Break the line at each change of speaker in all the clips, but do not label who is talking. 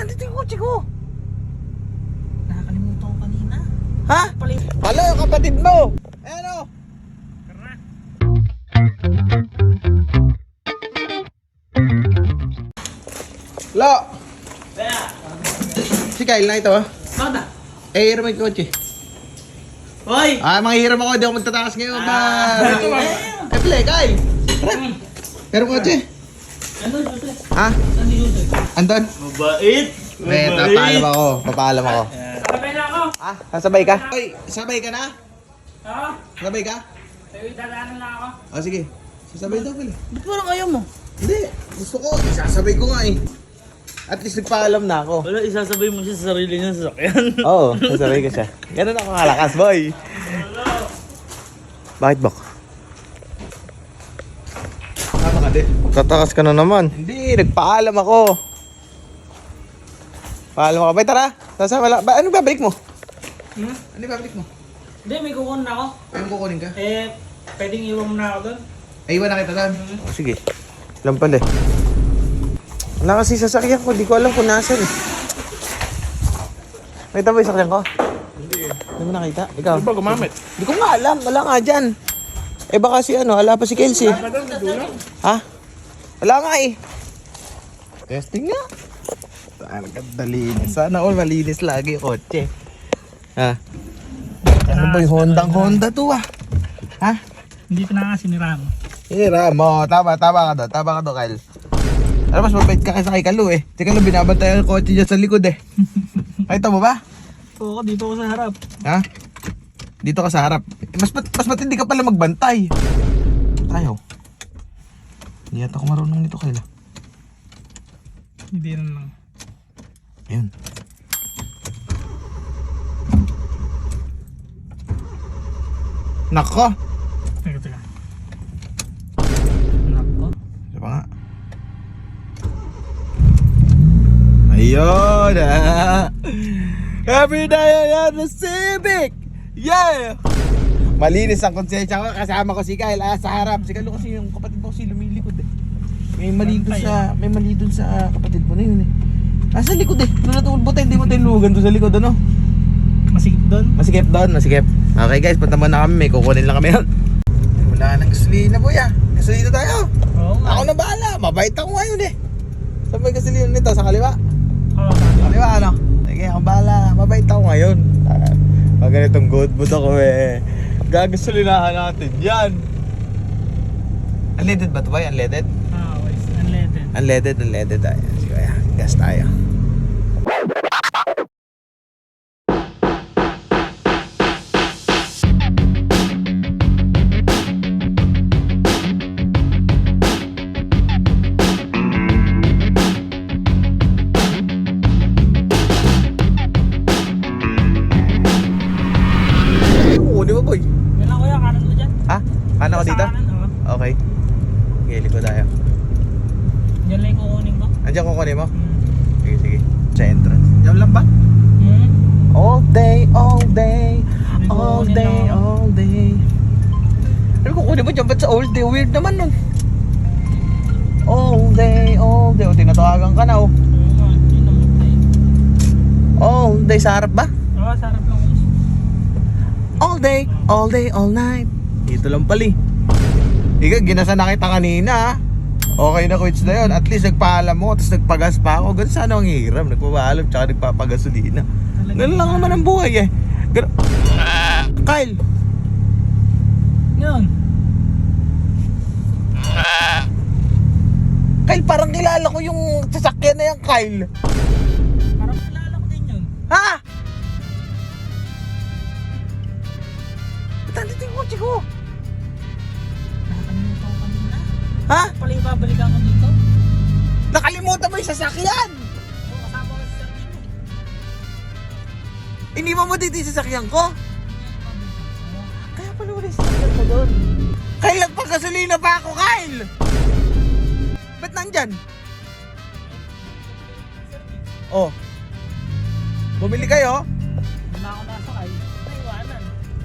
nandito yung kotse ko.
Nakakalimutan ko kanina.
Ha? Pala yung kapatid mo. Ano? Lo! Si Kyle na ito.
Bakit?
Hiram yung kotse.
Hoy!
Mga hiram ako, di ako magtatakas ngayon ba? Play, Kyle! Hiram kotse.
Andun, Jose.
Ha?
Saan si Jose?
Andon?
Mabait!
Papaalam ako.
Sabay na ako!
Ah, sasabay ka? Oy, sabay ka na?
Oo?
Sabay ka?
Ay, dadaanan lang ako.
O sige, sasabay daw pala.
Ba't parang ayaw mo?
Hindi, gusto ko, isasabay ko nga eh. At least nagpaalam na ako.
Wala, isasabay mo siya sa sarili niya sa sakyan.
Oo, sasabay ko siya. Ganun ako kalakas, boy. Bakit, Bok? Tama ka din.
Tatakas ka na naman.
Hindi, nagpaalam ako. Paalam ako. Bay, tara. Sasama lang. Ano babalik mo? Ano babalik mo?
Hindi, may kukunin ako.
Ayun kukunin ka?
Eh, pwedeng iwan mo na ako doon.
Ay, iwan na kita doon.
O sige. Alam pala eh. Wala kasi sasakyan ko. Di ko alam kung nasan eh.
Nakita mo yung sakyan ko?
Hindi eh.
Hindi mo nakita? Ikaw?
Di ba gumamit?
Hindi ko nga alam. Wala nga dyan. Eh baka si ano, ala pa si Kelsey. Ha? Wala nga eh. Testing nga. Talaga dalinis. Sana all malinis lagi yung kotse. Ha? Ano ba yung Honda to ah? Ha?
Hindi ko na nga sinirama.
Hira mo. Tama ka doon. Tama ka doon, Kyle. Alam, mas mabait ka kaysa kay Kalu eh. Si Kalu binabantayan ang kotse dyan sa likod eh. Nakita mo ba?
Oo, dito ako sa harap.
Ha? Dito ka sa harap. Mas matindi ka pala magbantay. Tayo. Hindi yata ako marunong nito, Kyle.
Hindi na lang.
Ayun. Nako.
Teka. Nako.
Diba nga? Ayun ah. Every day I have a Civic. Yeah. Malinis ang konsensya ko. Kasama ko si Kyle sa harap. Si Kyle kasi yung kapatid mo kasi lumilikod eh. May mali dun sa kapatid mo na yun eh. Sa likod eh. Doon natulbot eh. Hindi mo tinugan doon sa likod ano?
Masikip doon.
Masikip doon, masikip. Okay guys, punta muna kami. May kukunin lang kami yun. Wala nang gasolina po ya. Gasolina tayo.
Oo nga.
Ako na bahala. Mabait ako ngayon eh. Saan may gasolina nito? Sa kaliwa?
Oo,
Sa kaliwa ano? Sige, ako bahala. Mabait ako ngayon. Pag ganitong good mood ako eh. Gagasolinahan natin yan. Unleaded ba ito ba? Unleaded?
wait. Unleaded.
Unleaded tayo. Sige, gas tayo. Kukunin mo, boy.
Yan lang kuya, kanan mo dyan.
Ha? Ano ko
Sa
dito?
kanan, oo.
Okay. Gili ko tayo.
Yan lang yung kukunin ko.
Andiyan kukunin mo? Sige. Sa entrance. Diyan lang ba?
Hmm?
All day, all day.
May
All
kukunin
day,
lang ako.
all day. Ano kukunin mo dyan? Ba't sa all day? Weird naman nun. All day, all day. O, tinatawagan ka na oh.
Oo nga, hindi naman tayo.
All day sa harap ba?
Oo, sa harap lang ko.
All day, all night. Dito lang pali. Ikaw, ginasa na kita kanina ha. Okay na quits na yun. At least nagpaalam mo, tapos nagpagas pa ako. Ganun sana ang hiram. Nagpapaalam, tsaka nagpapagasolina. Ganun lang naman ang buhay eh. Kyle!
Yun.
Kyle, parang kilala ko yung sasakyan na yan, Kyle.
Parang kilala ko din yun.
Ha? Ba't nandito yung kotse ko?
Nakakalimutan ko kanina.
Ha?
Pala yung babalikan ko dito.
Nakalimutan mo yung sasakyan!
Oo, kasama ko sa sarili mo.
Iniwan mo dito yung sasakyan ko? Kaya pala wala yung sasakyan ko doon. Kyle, nagpagasolina pa ako, Kyle! Ba't nandyan? Oh. Bumili kayo?
Hindi na ako nasakay. Naiwanan.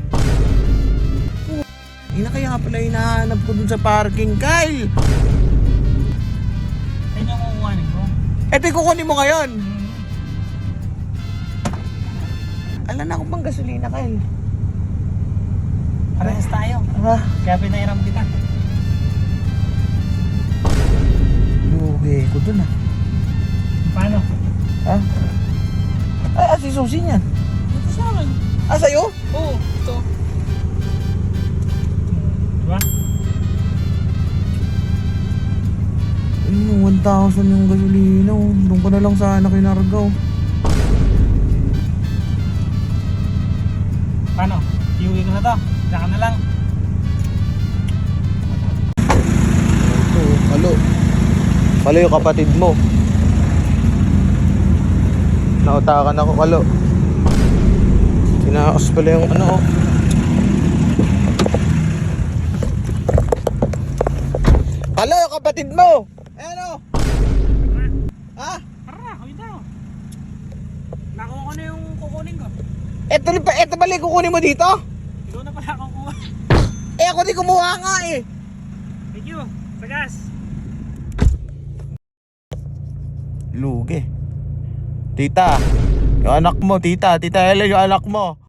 Ina kaya pala hinahanap ko dun sa parking, Kyle.
Ayun yung kukuhanin ko.
Eto yung kukunin mo ngayon.
Alam na akong pang gasolina, Kyle.
Parehas tayo.
Ha?
Kaya pinairam kita.
Lugi ko dun ah.
Paano?
Ha? Ay, si Susi niyan.
Ito sa akin.
Ah, sa'yo?
Oo, ito. Diba?
Ayun, 1,000 yung gasolina. Oh. Doon ko na lang sana kinargaw.
Paano? Iuwi ko na to. Saka na lang.
Ito, Kalo. Kalo yung kapatid mo. Nautakan ako, Kalo. Tinakas pala yung ano, oh. Kalo, yung kapatid mo!
Ano? Ha?
Tara, kami daw. Nakuha ko na yung kukunin ko.
Ito pala yung kukunin mo dito?
Ikaw na pala kukuha.
Eh, ako di kumuha nga eh.
Thank you. Sa gas.
Lugi. Tita, yung anak mo, tita. Tita Ellen, yung anak mo.